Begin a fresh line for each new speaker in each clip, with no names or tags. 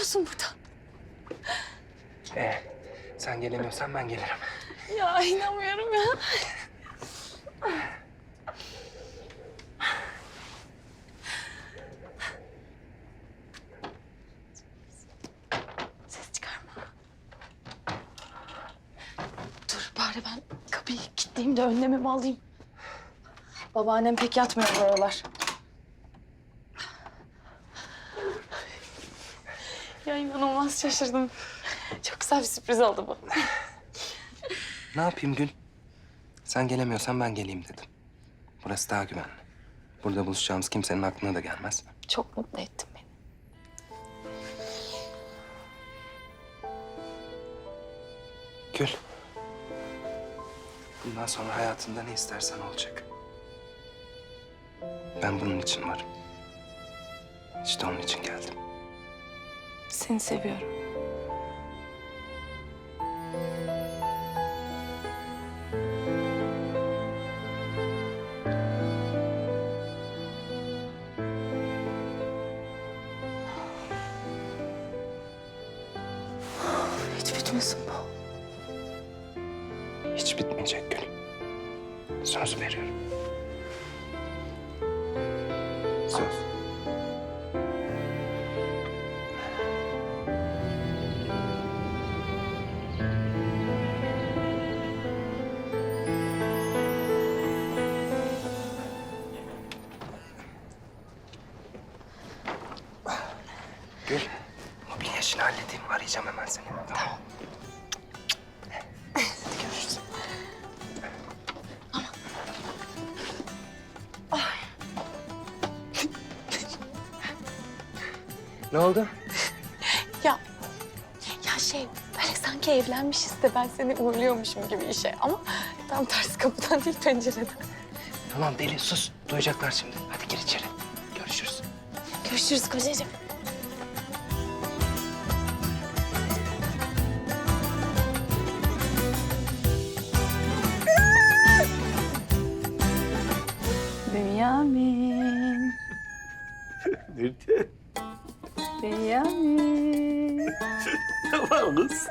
musun burada?
Sen gelemiyorsan ben gelirim.
Ya inanmıyorum ya. Ses çıkarma. Dur bari ben kapıyı kilitleyeyim de önlemimi alayım. Babaannem pek yatmıyor bu aralar. Ya inanılmaz şaşırdım. Çok güzel bir sürpriz oldu bu.
Ne yapayım Gül? Sen gelemiyorsan ben geleyim dedim. Burası daha güvenli. Burada buluşacağımız kimsenin aklına da gelmez.
Çok mutlu ettin beni.
Gül. Bundan sonra hayatında ne istersen olacak. Ben bunun için varım. İşte onun için geldim.
Seni seviyorum. Hiç bitmesin bu.
Hiç bitmeyecek Gül. Söz veriyorum. Söz. Gül, mobilya işini halledeyim. Arayacağım hemen seni. Tamam. Hadi görüşürüz. Ne oldu?
Ya böyle sanki evlenmişiz de ben seni uğurluyormuşum gibi işe. Ama tam tersi kapıdan değil pencereden.
Tamam deli sus. Duyacaklar şimdi. Hadi gir içeri. Görüşürüz.
Görüşürüz kocacığım. Bünyamin.
Nerede?
Bünyamin.
Tamam kız.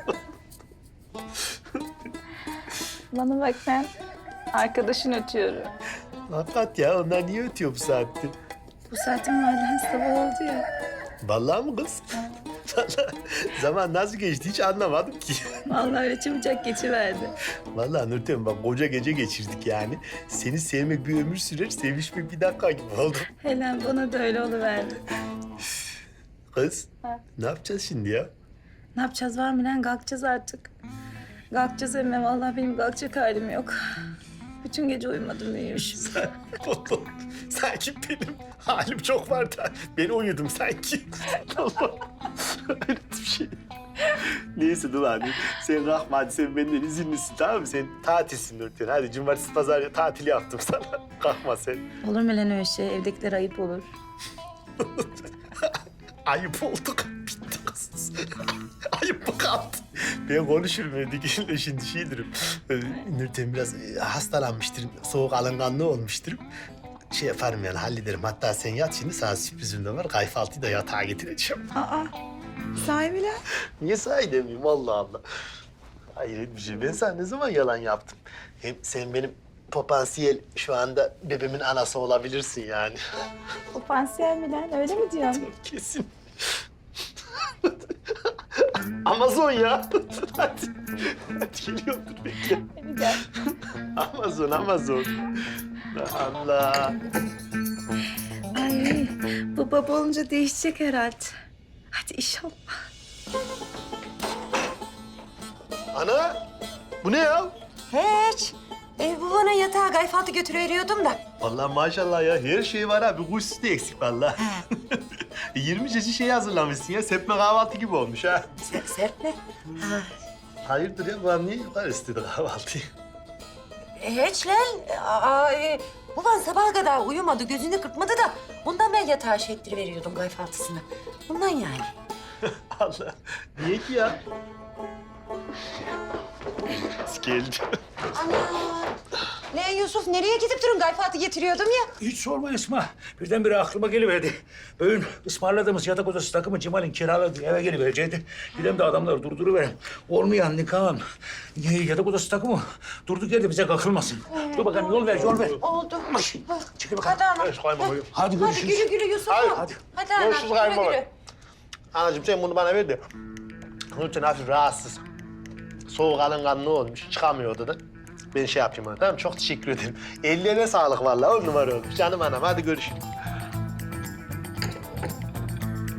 Bana bak ben arkadaşın ötüyorum.
Hakikat ya, onlar niye ötüyor bu saatte?
Bu saatin halen sabah oldu ya.
Vallahi mı kız? Vallahi zaman nasıl geçti hiç anlamadım ki.
Vallahi öyle çabucak geçiverdi.
Vallahi Nurten bak koca gece geçirdik yani. Seni sevmek bir ömür sürer, sevişmek bir dakika gibi oldu.
Helen bana da öyle oluverdi.
Kız,
Ha.
ne yapacağız şimdi ya?
Ne yapacağız var mı lan? Kalkacağız artık. Kalkacağız emme. Vallahi benim kalkacak halim yok. Bütün gece uyumadım uyumuşum.
Sanki benim halim çok var da ben uyudum sanki. Allah, öyle bir şey. Neyse dur hadi. Sen kalkma hadi, sen benden izinlisin tamam mı? Sen tatilsin Nurten. Hadi cumartesi pazar tatil yaptım sana. Kalkma sen.
Olur mu lan öyle şey? Evdekiler ayıp olur.
Ayıp olduk. Bitti kız. Ayıp mı kaldı? Ben konuşurum evdekiyle şimdi şeydirim. Nurten biraz hastalanmıştır. Soğuk alınganlığı olmuştur. Şey yaparım yani hallederim. Hatta sen yat şimdi, sana sürprizim de var. Kayfaltıyı da yatağa getireceğim.
Aa, sahibi lan.
Niye sahi demeyeyim Allah Allah. Hayret bir şey. Ben sana ne zaman yalan yaptım? Hem sen benim potansiyel şu anda bebeğimin anası olabilirsin yani.
Potansiyel mi lan? Öyle mi diyorsun?
Kesin. Amazon ya. Hadi. Hadi geliyordur bekle.
Hadi gel.
Amazon. Allah.
Ay, bu baba olunca değişecek herhalde. Hadi inşallah.
Ana, bu ne ya?
Hiç. Bu bana yatağa kayfaltı götürüveriyordum da.
Vallahi maşallah ya, her şey var ha. Bir kuş sütü eksik vallahi. 20 çeşit şey hazırlamışsın ya. Sepme kahvaltı gibi olmuş ha.
Serpme. Ha.
Hayırdır ya, bu niye yukarı istedi kahvaltıyı?
Hiç lan. Ulan sabaha kadar uyumadı, gözünü kırpmadı da... ...ondan ben yatağa şey ettiriveriyordum kayfaltısını. Bundan yani.
Allah, niye ki ya? Geldi.
Ana. Ne Yusuf? Nereye gidip durun? Gayfat'ı getiriyordum ya.
Hiç sorma Esma. Birdenbire aklıma geliverdi. Bugün ısmarladığımız yatak odası takımı Cemal'in kiraladığı eve geliverecekti. Gidem de adamları durduruverem. Olmayan nikahın yatak odası takımı durduk yerde bize kakılmasın. Dur bakalım yol ver, yol ver.
Oldu.
Çekil bakalım.
Hadi ana.
Evet kayınbaba.
Hadi
Hadi
görüşürüz.
gülü gülü Yusuf.
Hadi.
Hadi ana.
Görüşürüz
Güle
kayınbaba.
güle.
Anacığım sen bunu bana ver de. Nurten hafif rahatsız. Soğuk alınganlığı olmuş. Çıkamıyor odadan. Ben şey yapayım ona tamam mı? Çok teşekkür ederim. Ellerine sağlık vallahi. 10 numara olmuş. Canım anam hadi görüşürüz.